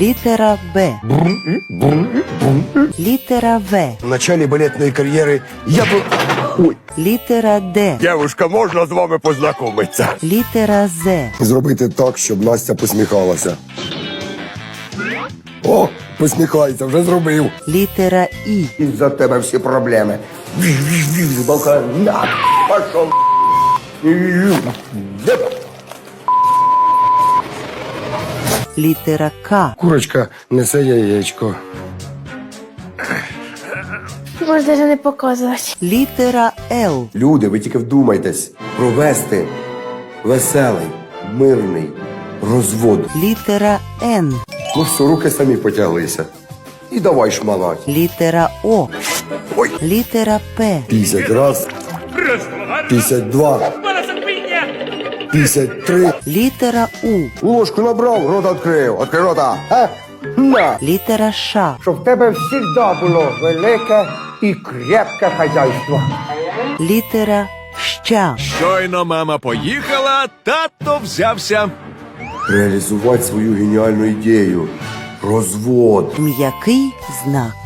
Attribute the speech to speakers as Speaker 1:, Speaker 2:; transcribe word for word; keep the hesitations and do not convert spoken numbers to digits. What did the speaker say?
Speaker 1: Літера Б. Літера В.
Speaker 2: В начале балетной карьеры я был... Ой.
Speaker 1: Літера Д.
Speaker 2: Девушка, можна з вами познайомитися?
Speaker 1: Літера З.
Speaker 2: Зробити так, щоб Настя посміхалася. О, посміхається, вже зробив.
Speaker 1: Літера І.
Speaker 2: Із-за тебе всі проблеми. З бока, на, пошов.
Speaker 1: Літера К.
Speaker 2: Курочка несе яєчко.
Speaker 3: Можеш навіть не показувати.
Speaker 1: Літера Л.
Speaker 2: Люди, ви тільки вдумайтесь. Провести веселий, мирний розвод.
Speaker 1: Літера Н.
Speaker 2: Ну все, руки самі потяглися. І давай шмалать.
Speaker 1: Літера О.
Speaker 2: Ой.
Speaker 1: Літера П.
Speaker 2: П'ятдесят раз. П'ятдесят два. П'ятдесят три.
Speaker 1: Літера У.
Speaker 2: Ложку набрав, рота відкрив. Відкрий рота. А? На.
Speaker 1: Літера Ш.
Speaker 4: Щоб в тебе завжди було велике і крепке хазяйство.
Speaker 1: Літера Щ.
Speaker 5: Щойно мама поїхала, тато взявся.
Speaker 2: Реалізувати свою геніальну ідею. Розвод.
Speaker 1: М'який знак.